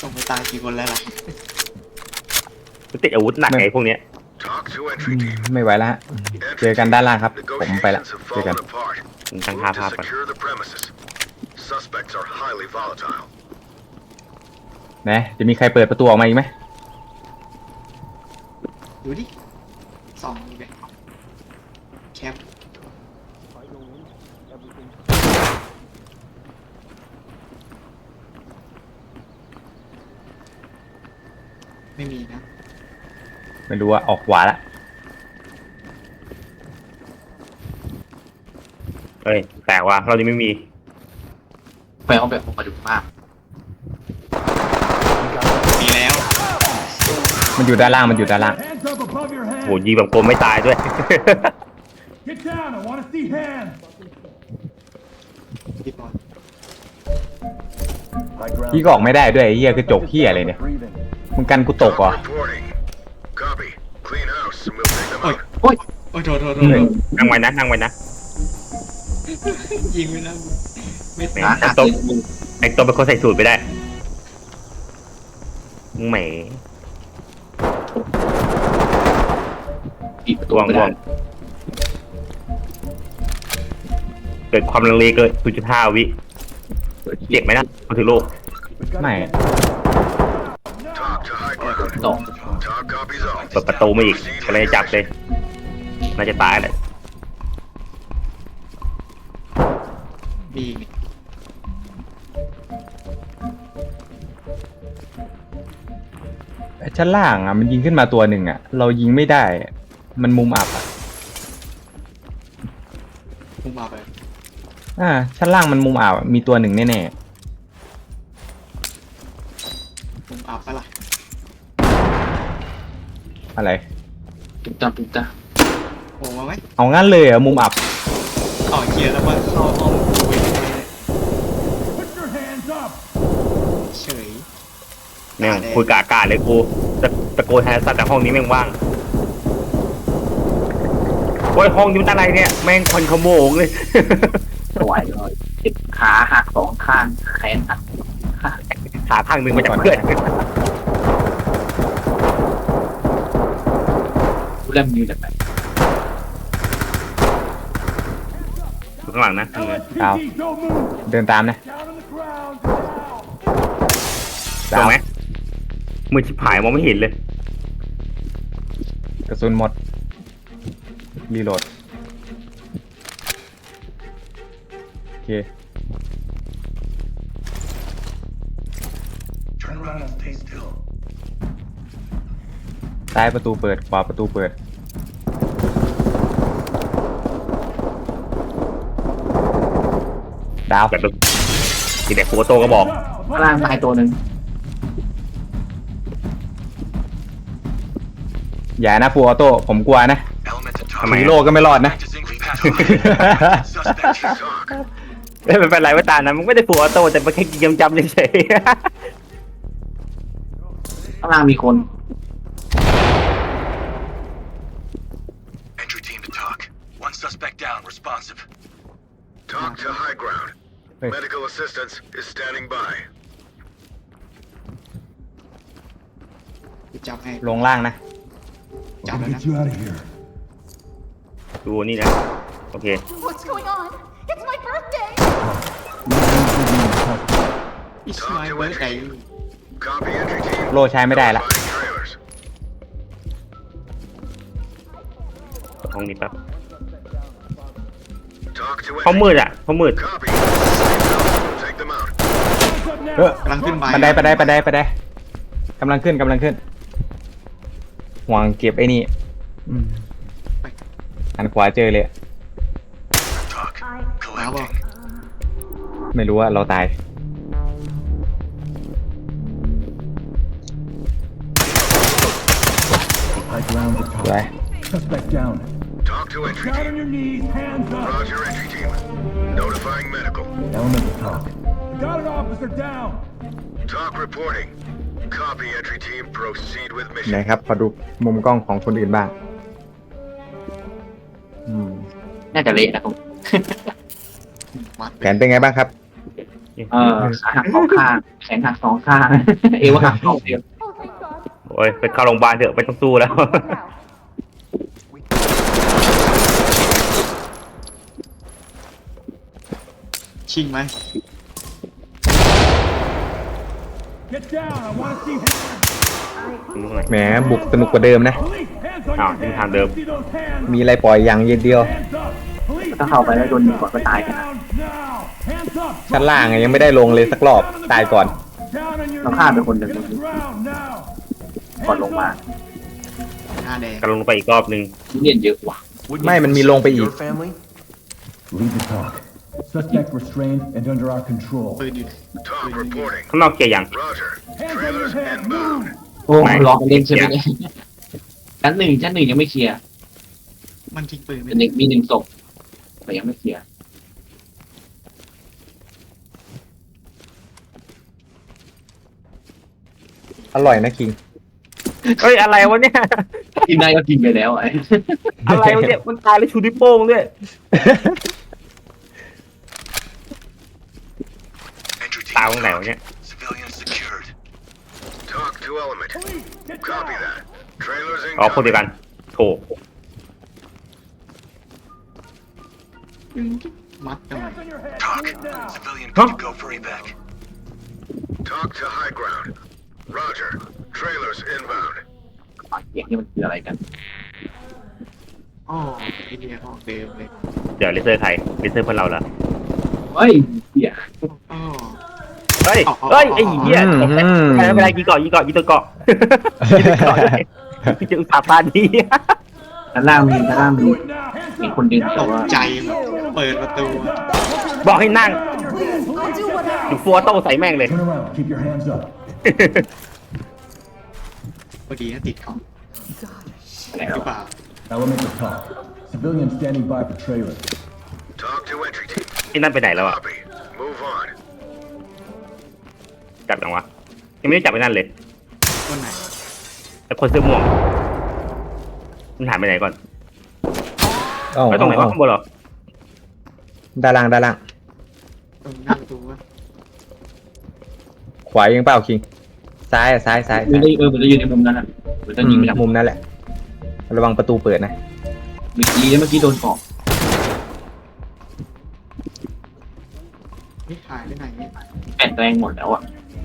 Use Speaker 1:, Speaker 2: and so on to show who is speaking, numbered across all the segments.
Speaker 1: ส่งไปตายกี่คนแล้วล่ะ
Speaker 2: ติดอาวุธหนักไงพวกเนี้ย
Speaker 3: ไม่ไหวแล้วฮะเจอกันด้านล่างครับผมไปละเจอกัน
Speaker 2: ตั้งภาพก่อน
Speaker 3: นะจะมีใครเปิดประตูออกมาอีกไหม
Speaker 1: ดูดิส่องอีกเลยแคปไม่มีนะ
Speaker 3: ไม่รู้ว่าออกขวาละ
Speaker 2: เฮ้ยแต่ว่าเรานี้ไม่มี
Speaker 1: ไปเอาแบบมาดูมากมีแล้ว
Speaker 3: มันอยู่ด้านล่างมันอยู่ด้านล่าง
Speaker 2: โหยิงแบบโกงไม่ตายด้วย
Speaker 1: พี่บอล
Speaker 3: พี่ก็ออกไม่ได้ด้วยไอ้เหี้ยกระจกเหี้ยอะไรเนี่ยมึงกันกูตกเหรอ
Speaker 1: โอ้ยโอ้ยโอ้ยโทษ
Speaker 2: นั่งไว้นะนั่งไว้นะ
Speaker 1: ยิงไม่ได้ไม่ตาย
Speaker 2: แต่ตัวเป็นคนใส่สูตรไปได้แหมตัวงเกิดความลังเลเกิน 0.5 วิเจ็บไหมนะมาถึงโลก
Speaker 3: ไม่
Speaker 1: ตก
Speaker 2: เปิดประตูมาอีกก็เลยจับเลยน่าจะตายแหละ
Speaker 1: มี
Speaker 3: ชั้นล่างอ่ะมันยิงขึ้นมาตัวหนึ่งอ่ะเรายิงไม่ได้มันมุมอับอ่ะ
Speaker 1: มุมอับไป
Speaker 3: ชั้นล่างมันมุมอับมีตัวหนึ่งแน่
Speaker 1: มุมอับปะล่ะ
Speaker 3: อะไร
Speaker 1: ตุ๊กตาโอ้มาไหม
Speaker 3: เอางั้นเลยมุมอับ
Speaker 1: อ๋อเกียร์แล้วว่าเข้าห้องคุยเฉย
Speaker 2: แม่งคุยกะอากาศเลยกูตะโกนแทนสัตว์แต่ห้องนี้แม่งว่างโอ้ยห้องนี้มันอะไรเนี่ยแม่งควันขโมงเลย
Speaker 1: สวยเลยขาหัก2 ข้างแขนหัก
Speaker 2: ขาข้างหนึ่งมาจากเพื่อน
Speaker 1: เริ่มยืนแบบไหน
Speaker 2: ข้างหลังนะ
Speaker 3: ดาวเดินตามนะ
Speaker 2: ดาวไหมมือชิบหายมองไม่เห็นเลย
Speaker 3: กระสุนหมดรีโหลดโอเคซ้ายประตูเปิดขวาประตูเปิดดาว
Speaker 2: แบบทีเด็กโฟโต้ก็บอก
Speaker 1: ล่างตายตัวหนึ่ง
Speaker 3: อย่านะฟูออโต้ผมกลัวนะฮีโร่ก็ไม่รอดนะ
Speaker 2: ไม่เป็นไรว่าตานะมึงไม่ได้ฟูออโต้แต่มันแค่จำเฉย
Speaker 1: ข้างล่างมีคน
Speaker 4: One suspect down, responsive. Talk to high ground. Medical assistance is standing by.
Speaker 1: จับให้
Speaker 3: ลงล่างนะ
Speaker 1: จับแล้วนะ
Speaker 2: ดูนี่นะโอเค
Speaker 5: What's going on? It's my birthday.
Speaker 1: It's my birthday.
Speaker 4: Copy entry team.
Speaker 3: โลใช้ไม่ได้ละ
Speaker 2: ห้องนี้แป๊บห้องมืดอ่ะห้องมืด
Speaker 1: กำลังขึ้นไป
Speaker 3: บันไดกำลังขึ้นห่วงเก็บไอ้นี่หันขวาเจอเลยไม่รู้ว่าเราตายไป
Speaker 4: Suspect down. Talk to entry team. Down on your knees, hands up. Roger, entry team. Notifying medical. Element to talk. Got an officer down. Talk reporting. Copy, entry team. Proceed with
Speaker 3: ไหน
Speaker 4: mission.
Speaker 3: ครับขอดูมุมกล้องของคนอื่นบ้าง
Speaker 1: น่าจะเละนะผม
Speaker 3: แผนเป็นไงบ้างครับ
Speaker 1: ขาหักสองข้างแขนหักสองข้าง เอวหักสองเดียว
Speaker 5: Oh, thank God.
Speaker 2: โอ้ยไปเข้าโรงพยาบาลเถอะไม่ต้องสู้แล้ว
Speaker 5: Now.
Speaker 6: ชิงไหม
Speaker 4: Get down! I want to see hands!
Speaker 3: แหมบุกสนุกกว่าเดิมนะ
Speaker 4: Police, hands on
Speaker 2: Ah,
Speaker 4: your
Speaker 2: ini
Speaker 4: head!
Speaker 2: handle.
Speaker 4: See those hands?
Speaker 3: มีอะไรปล่อยอย่างเดียว
Speaker 4: Hands up! Police,
Speaker 1: ถ้าเข้าไปแล้วโดนยิงก่อนก็ตายกัน
Speaker 4: down now! Hands up!
Speaker 3: ชั้นล่างอะยังไม่ได้ลงเลยสักรอบตายก่อน
Speaker 4: Down on your
Speaker 1: เราฆ่าไป
Speaker 4: knees!
Speaker 1: คนหนึ่ง
Speaker 4: Hit the ground now!
Speaker 1: ก่อนลงมา
Speaker 6: หน้าแดง
Speaker 2: กำลังลงไปอีกรอบนึง
Speaker 1: เลียนเยอะกว่า
Speaker 3: ไม่มันมีลงไปอีก
Speaker 4: Lead the talk. Suspect restrained and under our control.
Speaker 6: ปืนอยู่
Speaker 4: Talk reporting.
Speaker 2: ข้างนอกเกียร์ยัง
Speaker 4: Roger. Trailers inbound.
Speaker 1: โอ้รอกันเล่นใช่ไหมเนี่ยชั้นหนึ่งยังไม่เคลียร์
Speaker 6: มันทิ้งปืนไป
Speaker 1: เป็นเด็กมีหนึ่งศพแต่ยังไม่เคลียร์
Speaker 3: อร่อยนะคิง
Speaker 2: เฮ้ยอะไรวะเนี่ย
Speaker 1: กินได้ก็กินไปแล้วไอ้
Speaker 2: อะไรวะเนี่ยมันตายแล้วชูนิ้วโป้งด้วย
Speaker 4: Entry
Speaker 2: ตายตรงไหนวะเนี่ย
Speaker 4: Civilians secured. Talk to element. Copy that. Trailers
Speaker 2: อ๋อคนเดียวกันโถ
Speaker 6: มัดกันไว้
Speaker 4: Talk. Civilian
Speaker 2: Huh?
Speaker 4: go for evac. Talk to high ground. Roger. Trailers inbound.
Speaker 1: เสียงนี่มันคืออะไรกัน
Speaker 6: อ๋อไอเดียของเดิมเลย
Speaker 2: เดี๋ยวเลเซอร์ใครเลเซอร์เพื่อนเราเหรอ
Speaker 1: เฮ้ยเหี้ย
Speaker 6: อ๋อ
Speaker 2: เฮ้ยเฮ้ยไอ้เหี้ยไม่เป็นไรยิงเกาะยิงตัวเกาะยิงตัวเกาะพี่จะอุตส่าห์ปาดี
Speaker 1: ชั้นล่างมีมีคนดึง
Speaker 6: ต
Speaker 1: แต่
Speaker 6: ก
Speaker 1: ว่า
Speaker 6: ใจแบบเปิดประตู
Speaker 2: บอกให้นั่ง
Speaker 5: Please, I'll do whatever.
Speaker 2: อยู่ฟัวโต้ใส่แม่งเลย
Speaker 4: Turn around. Keep your hands up.
Speaker 6: พอดีนะติดของ
Speaker 1: อะไร
Speaker 6: หรือเปล่า
Speaker 4: Element of talk. Civilian standing by for trailers. Talk to entry team.
Speaker 2: ที่นั่นไปไหนแล้วอ่ะ
Speaker 4: Copy. Move on.
Speaker 2: จับยังวะยังไม่ได้จับไปนั่นเลย
Speaker 6: คนไหน
Speaker 2: ไอ้คนเสื้อม่วงมันหายไปไหนก่อน
Speaker 3: เอ้า
Speaker 2: ไปตรงไหนวะข้างบนเหรอ
Speaker 3: ด้านล่าง
Speaker 6: ตรงหน้าประตูวะ
Speaker 3: ขวายังเปล่าคิง ซ้ายซ้าย
Speaker 1: มันจะมันจะอยู่ในมุมนั้นอ่ะมันจะยิงไปทาง
Speaker 3: มุมนั้นแหละ ระวังประตูเปิดนะ
Speaker 1: เมื่อกี้โดนเกาะ
Speaker 6: นี่หายไปไหนเนี่ย
Speaker 1: แอนแรงหมดแล้วอ่ะ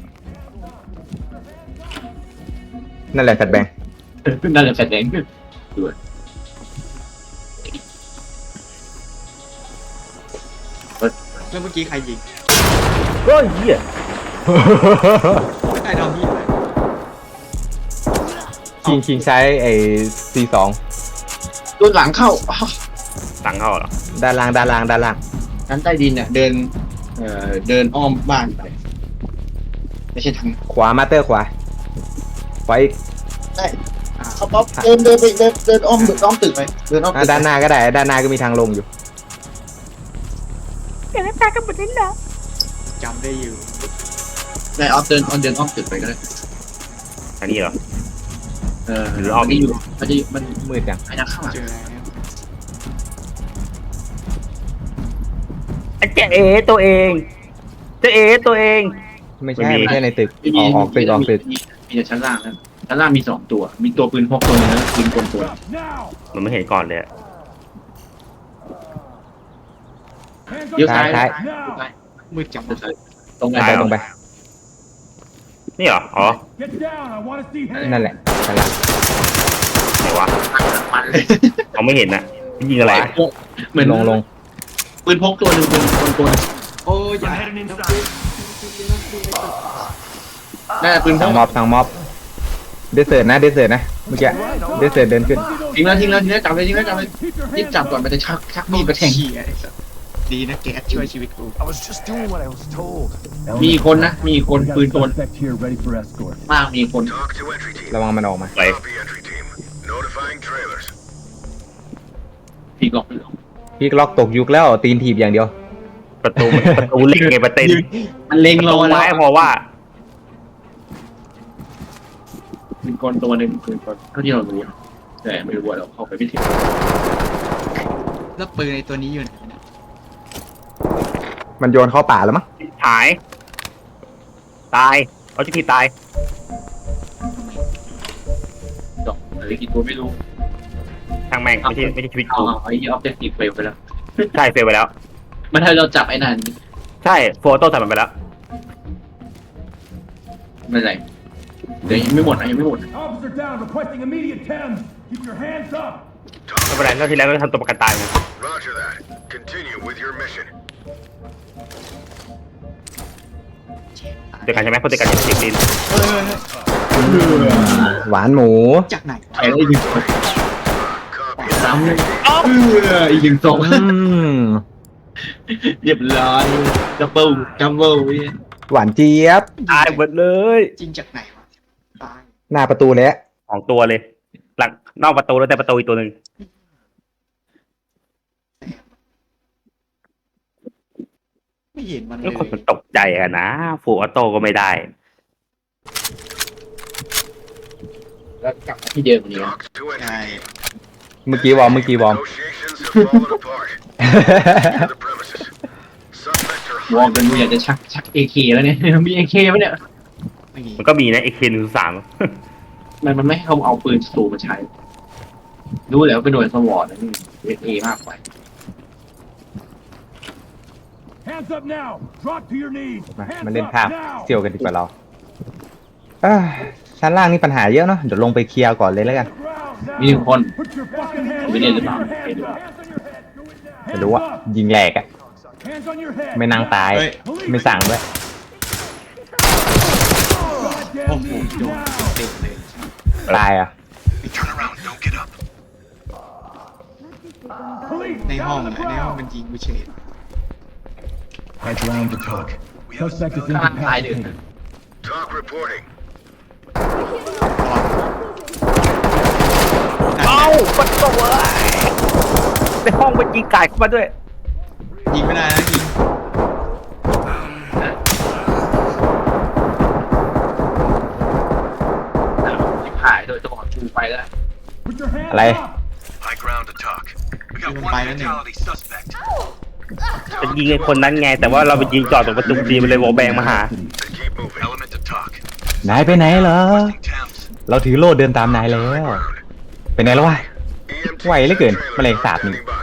Speaker 3: นั่นแหละแฟดแบงค์
Speaker 1: น่าจะแสดงด้วย
Speaker 6: แล้วเมื่อกี้ใครยิง
Speaker 2: เฮ้ยเหี้ย
Speaker 6: ใครทำพี่อะไร
Speaker 3: คิงใช้ไอ้ C2
Speaker 1: โดนหลังเข้า
Speaker 2: สั่งเข้าเหรอ
Speaker 3: ด้านล่าง
Speaker 1: ชั้นใต้ดินเนี่ยเดินอ้อมบ้านไปไม่ใช่ทาง
Speaker 3: ขวามาเตอร์ขวาอีก
Speaker 1: เขาป๊อปเดินไปเดินอ้อมตึกไปเดินอ้อมตึก
Speaker 3: ด้านหน้าก็ได้ ด้านหน้าก็มีทางลงอยู่
Speaker 6: จำได้อยู่
Speaker 1: ได้ออฟเดินอ้อมตึกไปก็ได้
Speaker 2: อันนี้เหรอ
Speaker 1: หรืออ้อมนี่อยู่มัน
Speaker 3: มืดจัง
Speaker 1: ไอ้นักข้างหลัง
Speaker 6: เจอแล้ว
Speaker 2: ไอ้เจ๊เอตัวเองเจ๊เอตัวเอง
Speaker 3: ไม่
Speaker 2: ไม่
Speaker 3: ใช่
Speaker 2: มี
Speaker 3: ไม่ใช่ในตึก ออกตึก
Speaker 1: มีแต่ชั้นล่างนะชั้นล่างมี2ตัวมีตัวปืนพกตัวนึงแล้วปืนกลตัว
Speaker 4: Now.
Speaker 2: มันไม่เห็นก่อนเลยอะ
Speaker 4: Hands
Speaker 1: เลี้ยว
Speaker 4: up.
Speaker 1: ซ้าย
Speaker 3: ซ้าย
Speaker 6: มืดจับ
Speaker 1: ตรงไหน
Speaker 3: ตรงไป
Speaker 2: นี่เหรออ๋อ
Speaker 4: Get down. I want to see hands.
Speaker 3: นั่นแหละด้านล่าง
Speaker 2: ไหนวะ
Speaker 1: มันเลย
Speaker 2: เขาไม่เห็นนะยิงอะไร
Speaker 1: เหมือน
Speaker 3: ลง
Speaker 1: ปืนพกตัวนึงปืนกลตัวนึง
Speaker 6: โอ้ยอย่า
Speaker 1: น่าจะปืนพ
Speaker 3: ทาง
Speaker 1: ก
Speaker 3: ม็อบเดสเซิร์ตนะเมื่อกี้เดสเซิร์ตเดินขึ้น
Speaker 1: ทิ้งแล้วจับเลยรีบจับก่อนมันจะชักมีดไปแทง
Speaker 6: เหี้ยไอ้สัสดีนะแก๊สช่วยชีวิตกู
Speaker 7: I was just doing what I was told.
Speaker 1: มีคนนะมีคน
Speaker 4: We got
Speaker 1: ปืน
Speaker 4: a
Speaker 1: กล
Speaker 4: suspect here ready for escort.
Speaker 1: มากมีคน
Speaker 4: Talk to entry team.
Speaker 3: ระวังมันออกมา
Speaker 2: ไป
Speaker 4: Copy entry team. Notifying trailers.
Speaker 1: พี่กอก
Speaker 3: พี่ล็อกตกยุคแล้วตีนถีบอย่างเดียว
Speaker 2: ประตูเล็กไงประเต็น
Speaker 1: มันเล็ง
Speaker 2: ประ
Speaker 1: เรา
Speaker 2: ตู
Speaker 1: แล้
Speaker 2: ไม้
Speaker 1: ว
Speaker 2: พอว่า
Speaker 1: ปืนกลตัวนึงปืนกลเท่าที่เรารู้แต่ไม่รู้ว่าเราเข้าไปไม่ถึง
Speaker 6: แล้วปืนในตัวนี้อยู่ไหนเนี่ย
Speaker 3: มันโยนเข้าป่าแล้วมั้ง
Speaker 2: หายตายเอาจิทีตาย
Speaker 1: ดอกหรือกี่ตัวไม่รู้
Speaker 2: ทางแม่งไม่ใช่ชีวิต
Speaker 1: เอา
Speaker 2: กู
Speaker 1: ไอ้ออบเจกตีฟเฟลไปแล้ว
Speaker 2: ใช่เฟลไปแล้ว
Speaker 1: มันให้เราจับไอ้นั่น
Speaker 2: ใช่โฟโต้ใส่มันไปแล้ว
Speaker 1: ไม่เป็นไรเดี๋ยวยังไม่หมดนะยังไม่หมด
Speaker 4: Officer down, requesting immediate Thames. Keep your hands up.
Speaker 2: ไม่เป็นไรแล้วทีแรกเราทำตัวประกันตายไง
Speaker 8: Roger that. Continue with your mission.
Speaker 2: เจอกันใช่ไหมเพราะเจอกันอย่างเสียงดิน
Speaker 3: หวานหมู
Speaker 6: จากไหน
Speaker 1: ไปแล้วอีกหนึ่งคน
Speaker 8: Copy.
Speaker 1: ซ้ำเลยอีกหนึ่งศพ เรียบร้อยดับเบิลพี่
Speaker 3: หวานเจี๊ยบ
Speaker 2: ตายหมดเลย
Speaker 6: จริงจากไหนวะตาย
Speaker 3: หน้าประตูเลย
Speaker 2: ของตัวเลย หลังนอกประตูแล้วแต่ประตูอีกตัวหนึ่ง
Speaker 6: ไม่เห็นมันเล
Speaker 2: แล้ว
Speaker 6: ย
Speaker 2: คนมันตกใจอะนะฟูออโต้ก็ไม่ได้
Speaker 1: แล้วกลับมาที่เดิมนี้
Speaker 8: Talk to
Speaker 6: ใช่
Speaker 8: entry.
Speaker 3: เมื่อกี้วอร์ม
Speaker 8: Negotiations have fallen apart. Secure the premises. Suspects are
Speaker 1: วอร์ม
Speaker 8: highly
Speaker 1: กันอยากจะชักเอเคแล้วเนี่ย มีเอเคไหมเนี่ย
Speaker 6: ไม่มี
Speaker 2: มันก็มีนะ AK-103
Speaker 1: มันไม่ให้เขาเอาปืนสูมาใช้ รู้แล้วเป็นหน่วยสวอตนะนี่เอมากไป
Speaker 4: Hands up now. Drop to your knees.
Speaker 3: มา
Speaker 4: Hands
Speaker 3: มาเล่น
Speaker 4: up
Speaker 3: ภาพ
Speaker 4: now.
Speaker 3: เสี่ยวกันดีกว่าเราชั้นล่างนี่ปัญหาเยอะเนาะเดี๋ยวลงไปเคลียร์ก่อนเลยแล้วกัน
Speaker 1: มีหนึ่งคน
Speaker 4: Put your fucking hands
Speaker 1: ไม่ได้หรือเปล่า
Speaker 4: Hands on your head. Do it now.
Speaker 3: ไม่รู้ว่ายิงแหลกอะ
Speaker 4: Hands on your head.
Speaker 3: ไม่นั่งตาย ไม่สั่งด้วย
Speaker 6: โอ้โหโดนเตะเลย
Speaker 3: ตายอ่ะ
Speaker 8: Turn around. Don't get up.
Speaker 4: Police,
Speaker 6: ในห้อง
Speaker 4: down on the
Speaker 6: ในห้อง
Speaker 4: ground.
Speaker 6: มันยิงกูเฉย
Speaker 4: Head round to talk. Suspect is
Speaker 1: ข้างล่างตายเดือด
Speaker 8: Talk reporting.
Speaker 2: เอ้าประตูเลยในห้องมันยิงไก่เข้ามาด้วย
Speaker 6: ยิงไม่ได้นะยิง
Speaker 1: หายโดยตัวชูไปแล้ว
Speaker 4: Put your hands
Speaker 3: Alay.
Speaker 4: up.
Speaker 8: High ground to talk. We got
Speaker 6: Yung
Speaker 8: one
Speaker 6: bayan eh.
Speaker 8: fatality suspect.
Speaker 2: จะยิงไอ้คนนั้นไง แต่ว่าเราไปยิงจอดตรงประตูดีมันเลยวอลแบงมาหา
Speaker 8: Then keep moving. Element to talk.
Speaker 3: นายไปไหนเหรอ
Speaker 8: Requesting Thames.
Speaker 3: เราถือโล่เดินตามนายแล้ว
Speaker 8: High ground.
Speaker 3: ไปไหนแล้ววะ
Speaker 8: EMTs
Speaker 3: Quay lấy
Speaker 8: and
Speaker 3: kìa,
Speaker 8: trailers
Speaker 3: mà lại
Speaker 8: are
Speaker 3: sạp nhỉ?
Speaker 8: standing by.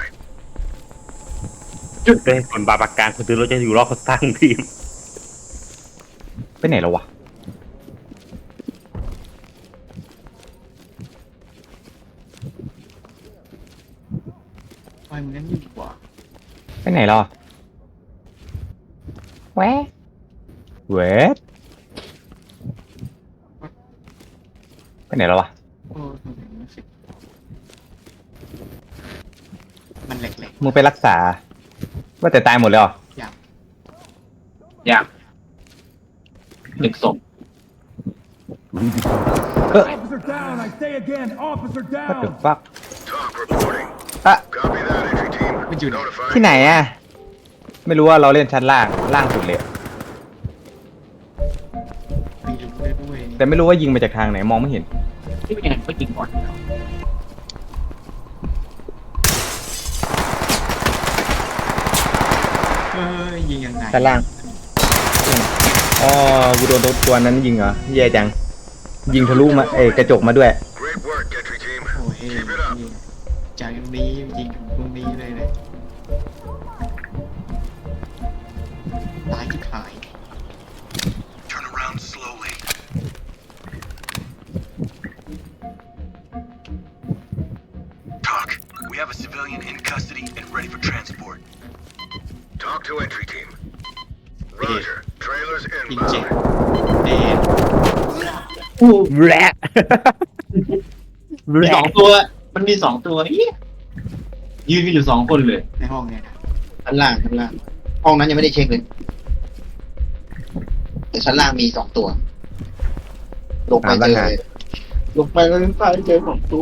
Speaker 2: จุดเลยคนบาปากกลางคนถือรถจะอยู่รอบเขาสร้างทีม
Speaker 3: ไปไหนแล้ววะ
Speaker 6: ทำไมมึงงั้นอยู่กว่า
Speaker 3: ไปไหนแล้วอะแวะเวทไปไหนแล้ววะ
Speaker 6: โอ้ทำไมมันรู้สึกมันแหลก
Speaker 3: มึงไปรักษา ว่าแต่ตายหมดเลยเหรอ
Speaker 1: อยากหนึ่งศพ
Speaker 4: Officer down. I say again. Officer
Speaker 3: ว่าถึ
Speaker 4: down.
Speaker 3: ฟัก
Speaker 8: Talk reporting.
Speaker 3: อะ
Speaker 8: Copy that entry team.
Speaker 6: มันอยู่ไหน
Speaker 8: Notifying.
Speaker 3: ที่ไหนอะไม่รู้ว่าเราเล่นชั้นล่างสุดเลย
Speaker 6: ไม่รู้เลยด้วย
Speaker 3: แต่ไม่รู้ว่ายิงมาจากทางไหนมองไม่เห็น
Speaker 1: ที่เป็นยังไงก็ยิงก่อน
Speaker 6: ยิงยังไง
Speaker 3: ชั้นล่าง อ๋อกูโดนตัวนั้นยิงเหรอแย่จัง ยิงทะลุมากระจกมาด้วย
Speaker 8: Great work, entry team.
Speaker 6: โอ้ย
Speaker 8: Keep it up.
Speaker 6: ยิงจากตรงนี้ยิงถึงตรงนี้เลยตายที่ขาย
Speaker 8: Turn around slowly. Talk. We have a civilian in custody and ready for transport. Talk to entry team. Roger. Trailers
Speaker 6: ยิงเจ็บ
Speaker 8: inbound.
Speaker 6: เดน
Speaker 2: แหละ
Speaker 1: มีสองตัว มันมีสองตัวเอี้ยยืนกันอยู่สองคนเลย
Speaker 6: ในห้องเนี่ยนะ
Speaker 1: ชั้นล่างห้องนั้นยังไม่ได้เช็คเลย แต่ชั้นล่างมีสองตัว ลงไปเจอเลยลงไปแล้วใต้เจอสองตัว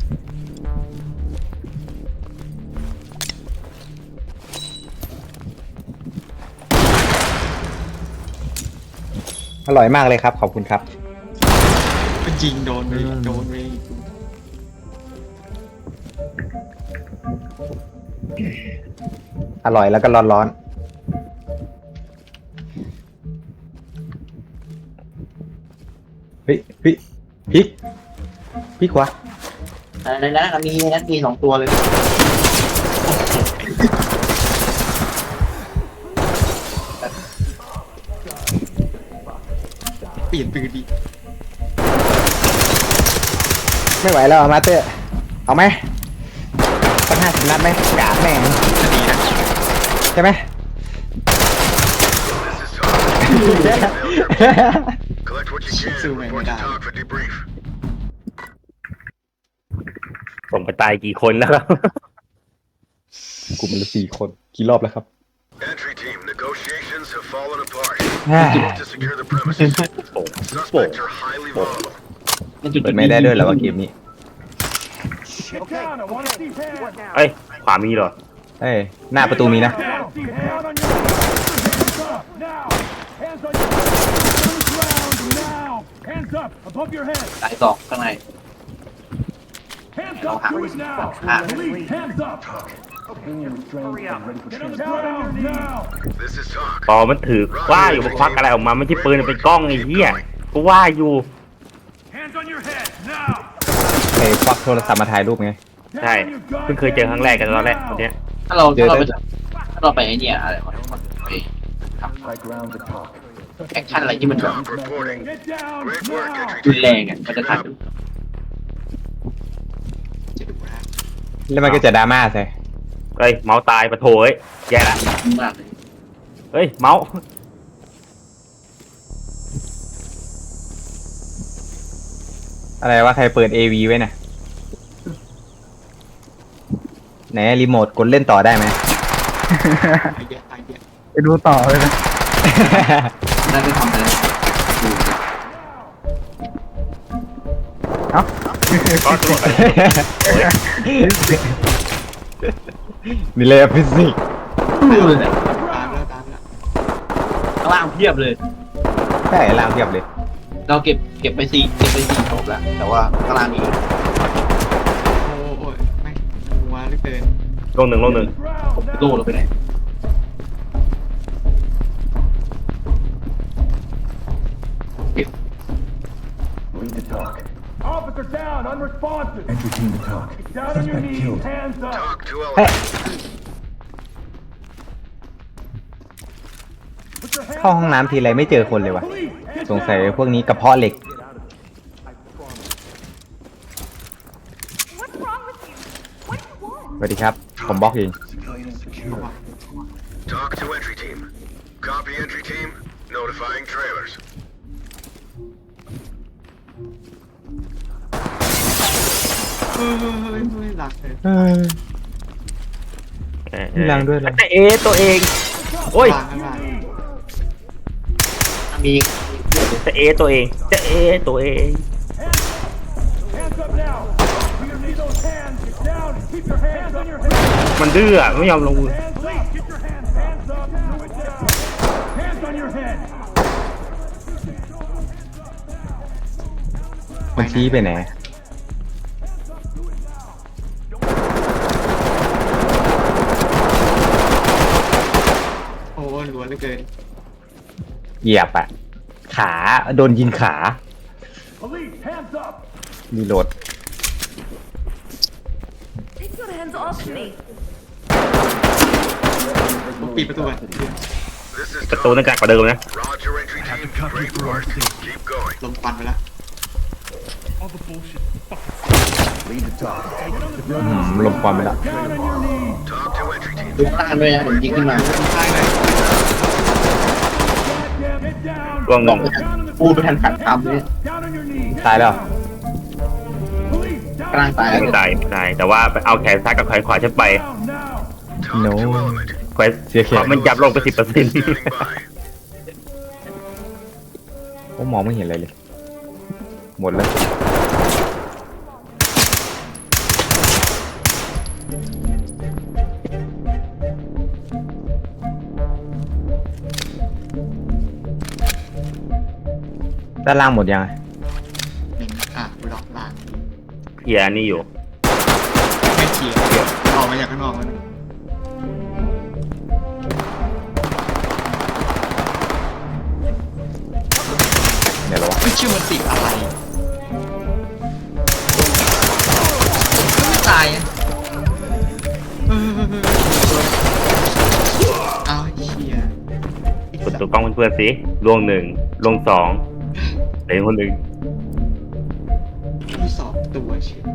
Speaker 3: อร่อยมากเลยครับ ขอบคุณครับ
Speaker 6: มันยิงโดนไปโดนไป
Speaker 3: อร่อยแล้วก็ร้อนเฮ้ยพลิกขวา
Speaker 1: ในนั้นมี2 ตัวเลย
Speaker 6: เปลี่ยนปืนดี
Speaker 3: ไม่ไหวแล้วมาเตอร์เอาไหมสัก50 นัดไหมกาดแม่ง
Speaker 6: จะดีนะ
Speaker 3: ใช่ไหม
Speaker 8: Collect what you can. Report to TOC for debrief.
Speaker 2: ส่งไปตายกี่คนแล้วครับ
Speaker 3: กลุ่มละ4 คนกี่รอบแล้วครับ
Speaker 8: Entry team, negotiations have fallen apart.
Speaker 3: อ่า
Speaker 8: To secure the premises. Suspects are highly volatile.
Speaker 3: เปิดไม่ได้ด้วยเหรอว่าเกมนี้
Speaker 4: Get down. I want to see hands.
Speaker 2: เอ้ยขวามีเหรอ
Speaker 3: เอ้ยหน้าประตูมีนะ
Speaker 4: Down on your hands up now. Hands on your ground now. Hands up above your head.
Speaker 1: สาย2ข้างใน
Speaker 4: Hands up. Do it now. Police, hands up. Get on the ground now.
Speaker 8: This is TOC.
Speaker 2: ปอมันถือว่าอยู่มาควักอะไรออกมาไม่ใช่ปืนเป็นกล้องไอ้เหี้ยกูว่าอยู่
Speaker 4: Hands on your head now.
Speaker 3: ไอ้ควักโทรศัพท์มาถ่ายรูปไง
Speaker 2: ใช่เพิ่งเคยเจอครั้งแรกกันตอนแรกวันเนี้ย
Speaker 1: ถ้าเราไปไอ้เนี่ยอะไรวะไปทำแอคชั่นอะไรที่มันแบบ
Speaker 8: TOC reporting.
Speaker 4: Get down
Speaker 8: Great work,
Speaker 4: now.
Speaker 8: entry
Speaker 1: รุนแรง
Speaker 8: team.
Speaker 1: อ่ะมันจะทัน
Speaker 3: แล้วมันก็จะดราม่าใส่
Speaker 2: เอ้ยเมาส์ตายปะโถเอ้ยแย่ละ
Speaker 1: มากเลย
Speaker 2: เฮ้ยเมาส์
Speaker 3: อะไรว่าใครเปิด AV ไว้น่ะไหนรีโมทกดเล่นต่อได้ไหม
Speaker 6: ไอเดียไอเดีย
Speaker 3: ไปดูต่อเลยนะ
Speaker 1: น่าจะทำอะไรดู
Speaker 2: ก็ตัว
Speaker 3: นี่เลยฟิสิกส์
Speaker 1: ดูเลยเนี่ย
Speaker 6: ตามแล้วตามแล้ว
Speaker 1: ข้างล่างเพียบเลย
Speaker 3: ใช่ล่างเทียบเลย
Speaker 1: เราเก็บไป4ศพแล้วแต่ว่าข้างล่างมี
Speaker 6: โอ้ยไม่หัวเหลือเกิน
Speaker 2: ลงหนึ่ง
Speaker 1: โล่เราไปไหน
Speaker 4: Officer down, unresponsive. Entry team to talk. Down on your knees, hands up.
Speaker 8: TOC to element.
Speaker 4: Put your hands
Speaker 3: เข้าห้องน้ำทีไรไม่เจอคนเลยวะ
Speaker 4: Police, get
Speaker 3: สงสัย
Speaker 4: down.
Speaker 3: พวกนี้กระเพาะเหล็ก
Speaker 5: What's wrong with you? What do you want?
Speaker 3: สวัสดีครับ ผมบล็อกเอง
Speaker 8: TOC to entry team. Copy entry team. Notifying trailers.
Speaker 6: เฮ้ยหลักเลย
Speaker 3: มีรังด้วยเหรอ
Speaker 2: แต่เอตัวเองโอ้ย
Speaker 6: หลังอะไร
Speaker 1: มี
Speaker 2: แต่เอตัวเองจะเอตัวเอง
Speaker 4: Hands up now. We need those hands. Get down and keep your hands on your head.
Speaker 2: มันดื้ออะไม่ยอมลงมือ
Speaker 4: Hands up. Get your hands up. Do it down. Hands on your head.
Speaker 3: มันชี้ไปไหน
Speaker 6: โอ้ยรัวเหลือเกิน
Speaker 3: เหยียบอ่ะ ขาโดนยิงขา
Speaker 4: Police, hands up.
Speaker 3: รีโหลด
Speaker 5: Take your hands off me.
Speaker 6: ผมปิดประตูก่อน
Speaker 8: This is
Speaker 2: ประตู
Speaker 8: TOC.
Speaker 2: นั่นกากกว่าเดิมนะ
Speaker 8: Roger entry team. Great work. Keep going.
Speaker 6: ลมควันไปแล้ว
Speaker 3: ลมความไปแล้ว
Speaker 4: Down on your knees.
Speaker 8: TOC to entry team.
Speaker 1: ดูข้างล่างด้วยนะผมยิงขึ้นมา
Speaker 6: ซ้ายหน่อย
Speaker 4: Goddamn, get down.
Speaker 2: ล่วงหนึ่ง
Speaker 1: พูดไปทันขัดคำเลย
Speaker 4: Down on your knees.
Speaker 3: ตายแล้ว
Speaker 4: Police, down
Speaker 1: กลางตายแล้ว
Speaker 2: ไม่ตายไม่ตายแต่ว่าไปเอาแขนซ้ายกับแขนขวาฉันไป
Speaker 4: down now.
Speaker 8: TOC
Speaker 3: No.
Speaker 8: to element.
Speaker 2: แขน
Speaker 3: เสียแขน
Speaker 2: มันยับลงไป10%
Speaker 8: Standing by.
Speaker 3: ผมมองไม่เห็นอะไรเลย หมดแล้ว ด้านล่างหมดยัง
Speaker 6: หนึ่งกูล็อกหลัง
Speaker 2: เคลียร์นี่อยู่
Speaker 6: ไม่เขียวออกมาจากข้างนอกแล้ว
Speaker 4: Hands
Speaker 3: เดี๋ยวรอ
Speaker 6: ไม่ชื่อมันติดอะไรไม่ตายอ่ะเอาเหี้ย
Speaker 2: กดตัวกล้องเพื่อนๆสิลวงหนึ่งลวงสองเหลือคนหนึ่ง
Speaker 6: มีสองตัวเชียว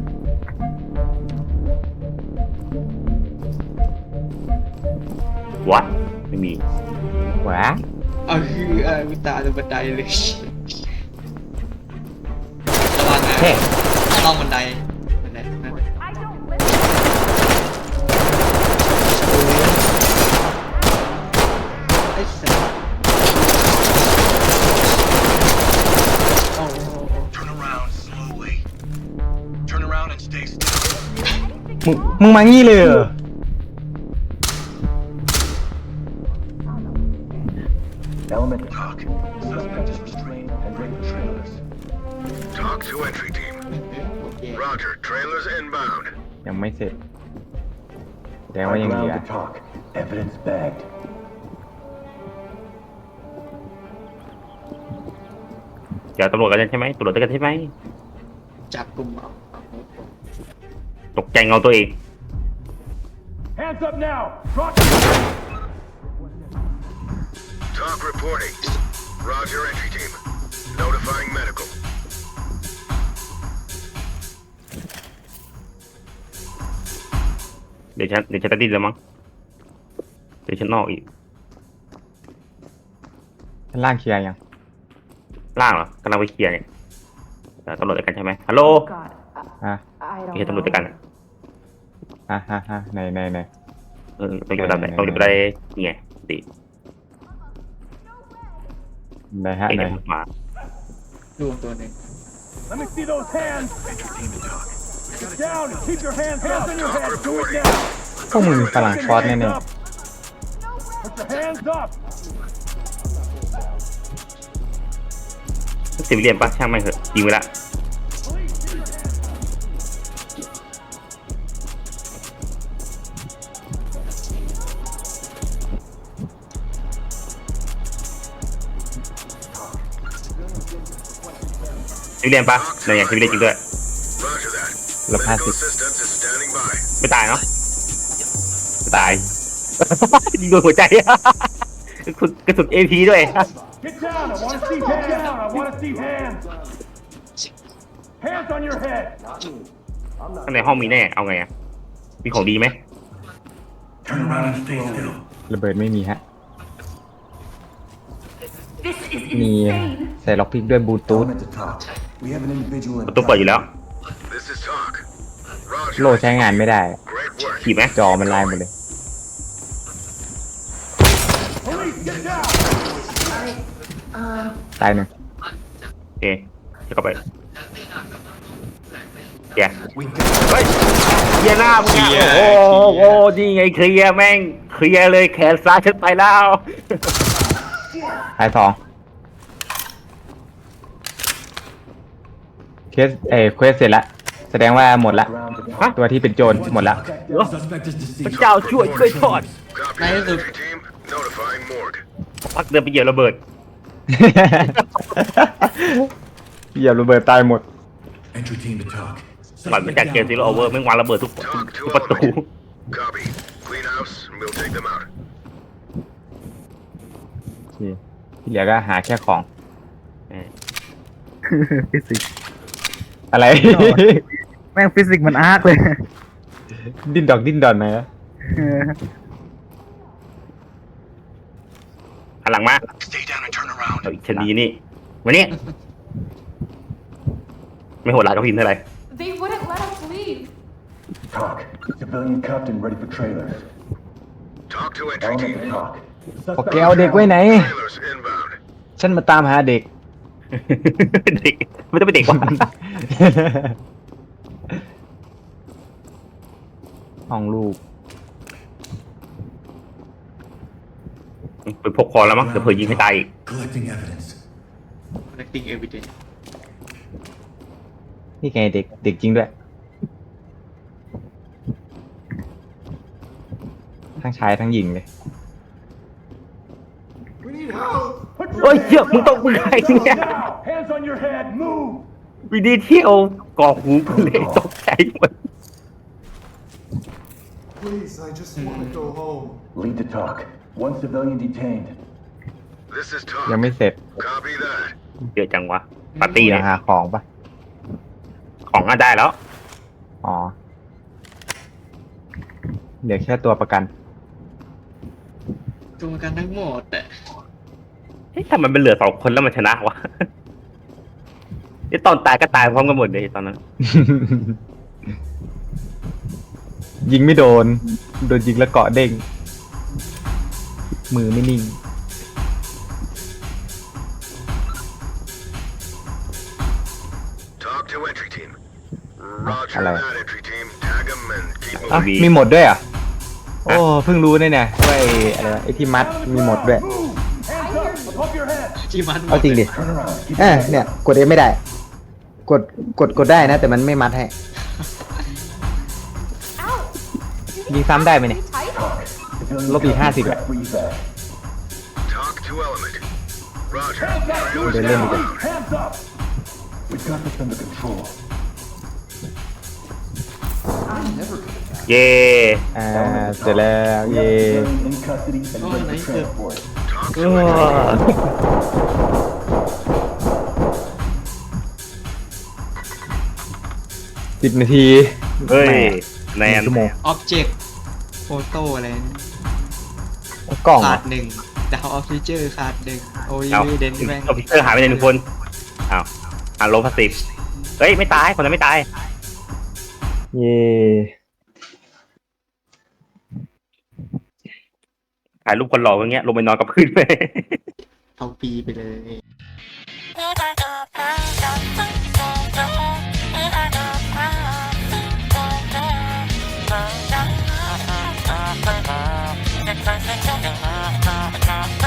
Speaker 2: วะไม่มี
Speaker 3: หวา
Speaker 6: เอาคือกูตาตรงบันไดเลยระวังนะ
Speaker 3: เฮ้
Speaker 6: ล่องบันไดนั่น
Speaker 5: I don't listen.
Speaker 6: ไอ้สัสโอ้โห
Speaker 8: Turn around slowly. Turn around and stay still.
Speaker 3: มึงมางี้เลยเหรอ
Speaker 4: Element
Speaker 8: Talk. Suspect is restrained and ready for trailers.
Speaker 7: Talk to entry team.
Speaker 6: โอเค
Speaker 7: Roger, trailers inbound.
Speaker 3: ยังไม่เสร็จแสดงว่ายังเหลือ
Speaker 4: talk. Evidence bagged.
Speaker 2: เดี๋ยวตำรวจกันใช่ไหมตำรวจกันใช่ไหม
Speaker 6: จับกลุ่มเอา
Speaker 2: ตกใจเงาตัวเอง
Speaker 4: Hands up now. Drop.
Speaker 7: Talk reporting. Roger, entry team. Notifying medical.
Speaker 2: เดี๋ยวฉันตัดดินแล้วมั้งเดี๋ยวฉันนอกอีก
Speaker 3: ชั้นล่างเคลียร์ยัง
Speaker 2: ล่างเหรอกำลังไปเคลียร์เนี่ยตำรวจด้วยกันใช่ไหมฮัลโหล
Speaker 3: อ่ะ
Speaker 2: ไม่ใช่ตำรวจด้วยกัน
Speaker 3: ใน
Speaker 2: ต้องอยู่ระดับไหนต้องอยู่ระดับนี่ไงดิ
Speaker 3: ในฮะ
Speaker 2: เอ็ง
Speaker 3: ใน
Speaker 2: จะมา
Speaker 6: รวมตัวหนึ่ง
Speaker 4: Let me see those hands.
Speaker 8: Entry team to talk.
Speaker 4: Get down and keep your hands up. on your
Speaker 7: Talk
Speaker 4: head. Do it
Speaker 7: reporting.
Speaker 4: now.
Speaker 3: พวกมึงฝรั่งช็อตแน่
Speaker 4: Put your hands up.
Speaker 2: สิบเหลี่ยมปะช่างไม่เถอะยิงไปละสิบเหลี่ยมปะเนี่ยอย่างสิบเหลี่ยมจริงด้วย
Speaker 7: Roger that.
Speaker 3: ๆลบ
Speaker 7: Medical assistance is standing by.
Speaker 2: ไม่ตายเนาะไม่ตาย ยิงโดนหัวใจ กระสุน AP ด้วย
Speaker 4: Get down. I want to see hands. I want to see hands. Hands on your head.
Speaker 2: ข้างในห้องมีแน่ เอาไงอะมีของดีไหม
Speaker 8: Turn around and stay still.
Speaker 3: ระเบิดไม่มีฮะ
Speaker 5: This is
Speaker 3: มี
Speaker 5: insane.
Speaker 3: ใส่ล็อกพิกด้วยบลูทูธ
Speaker 4: to talk. We have an individual
Speaker 2: ประตูเปิดอยู่แล้ว
Speaker 7: This is talk.
Speaker 3: โล
Speaker 7: Roger.
Speaker 3: ใช้งานไม่ได้
Speaker 7: Great work.
Speaker 2: ขี่ไหม
Speaker 3: จอมันลายหมดเลย
Speaker 4: Police, get down.
Speaker 3: ตายหนึ่ง
Speaker 2: โอเคจะเข้าไปเดี๋ยวเฮ้ยเคลียร์หน้ามึงอะโอ้โหนี่ไงเคลียร์แม่งเคลียร์เลยแขนซ้ายฉันไปแล้ว
Speaker 3: ตายสองเคสเควสเสร็จละแสดงว่าหมดละ
Speaker 2: ฮะ
Speaker 3: ตัวที่เป็นโจรหมดละ
Speaker 2: พระเจ้าช่วยทอด
Speaker 7: Copy
Speaker 6: Nice.
Speaker 7: that, entry team. Notifying morgue.
Speaker 2: พักเดินไปเหยียบระเบิด
Speaker 3: เหยียบระเบิดตายหมด
Speaker 8: Entry team to talk.
Speaker 2: หลังจากเกมซีโร่โอเวอร์แม่งวางระเบิดทุก
Speaker 7: Talk to
Speaker 2: ประตู
Speaker 7: element. Copy. Clean house, and we'll take them out.
Speaker 3: โอเคที่เหลือก็หาแค่ของ อะไร
Speaker 9: แม่งฟิสิกส์มันอาร์คเลย
Speaker 3: ดิ้นดอนไหม
Speaker 2: หันหลังมา
Speaker 8: Stay down and turn around.
Speaker 2: เอาอีกชนีนี่มานี่ไม่โหดร้ายกับพิมพ์เท่าไหร่
Speaker 5: They wouldn't let us leave.
Speaker 4: Talk. Civilian cuffed and ready for trailers.
Speaker 7: Talk to entry team.
Speaker 4: talk.
Speaker 3: โอเคเอาเด็กไว้ไหน
Speaker 7: Trailers inbound.
Speaker 3: ฉันมาตามหาเด็ก
Speaker 2: เด็กไม่ต้องเป็นเด็กว่ะ
Speaker 3: ห้องลูก
Speaker 2: ไปพกคอแล้วมั้งเดี๋ยวเผื่อยิงให้ตายอีก
Speaker 8: Collecting evidence.
Speaker 6: collecting evidence
Speaker 3: นี่ไงเด็กจริงด้วย ทั้งชายทั้งหญิงเลย
Speaker 2: เฮ้ยเหี้ยมึงใครเนี่ย
Speaker 4: Now. Hands hands on your head. Move.
Speaker 2: วิดีเที่ยวก่อหูกูเลยตกใจหมด
Speaker 4: Please, I just want to go home. Lead to talk. One civilian detained.
Speaker 7: This is
Speaker 3: ยัง
Speaker 7: talk.
Speaker 3: ไม่เสร็จ
Speaker 7: Copy that.
Speaker 2: เยอะจังวะปาร์ตี้
Speaker 3: ยั
Speaker 2: นะ
Speaker 3: งหาของปะ
Speaker 2: ของก็ได้แล้ว
Speaker 3: อ๋อเดี๋ยวแค่ตัวประกัน
Speaker 6: ตัวประกันทั้งหมดแต่
Speaker 2: เฮ้ยทำไมมันเหลือ2 คนแล้วมันชนะวะไอ้ตอนตายก็ตายพร้อมกันหมดเลยตอนนั้น
Speaker 3: ยิงไม่โดนยิงแล้วเกาะเด้ง มือไม่นิ่ง
Speaker 7: Talk to entry team. Roger
Speaker 3: Hello.
Speaker 7: that, entry team. Tag them and keep
Speaker 3: อ่ะ
Speaker 7: moving.
Speaker 3: มีหมดด้วยเหรอ่ะ โอ้เพิ่งรู้เนี่ยว่าไอ้อะไรวะไอ้ที่มัดมีหมดด้วย
Speaker 4: Move. Hands up above your head.
Speaker 6: ที่มัน
Speaker 3: เอาจริงดิ
Speaker 4: Turn around. Keep
Speaker 3: เนี่ยกดเอไม่ได้ กดได้นะ แต่มันไม่มัดให้
Speaker 5: Ow!
Speaker 3: ยิงซ้ำได้ไหมเนี่ย
Speaker 5: Be tight.
Speaker 4: Civilian
Speaker 3: ลบอีก50อ่ะ
Speaker 4: freeze that.
Speaker 7: Talk to element. Roger.
Speaker 4: Hands up.
Speaker 7: Trailers
Speaker 3: They're limited.
Speaker 7: inbound.
Speaker 4: Hands up. We've got this under control.
Speaker 2: เย่
Speaker 3: เสร็จแล้วเย่
Speaker 4: Civilian in custody and ready for transport.
Speaker 7: Talk
Speaker 2: เอ
Speaker 7: to entry
Speaker 3: 10 นาที
Speaker 2: เฮ้ยแน
Speaker 3: แหม่
Speaker 2: น
Speaker 3: ชั่วโมง
Speaker 6: ออบเจกต์โฟโต้อะไรนะ
Speaker 3: กล่องเหร
Speaker 6: ขา
Speaker 3: อ
Speaker 6: ด1ดาวออฟฟิเจอร์ขาด1โอ้ย
Speaker 2: เอา
Speaker 6: เดนแม่ง
Speaker 2: คอมพิวเตอร์หายไป1 คนอ้าวโลพาสติฟเฮ้ยไม่ตายคนนั้นไม่ตาย
Speaker 3: เย่
Speaker 2: ถ่ายรูปคนหล่ออย่างเงี้ยลงไปนอนกับพื้นไป
Speaker 6: เอาปีไปเลย
Speaker 10: Thank you.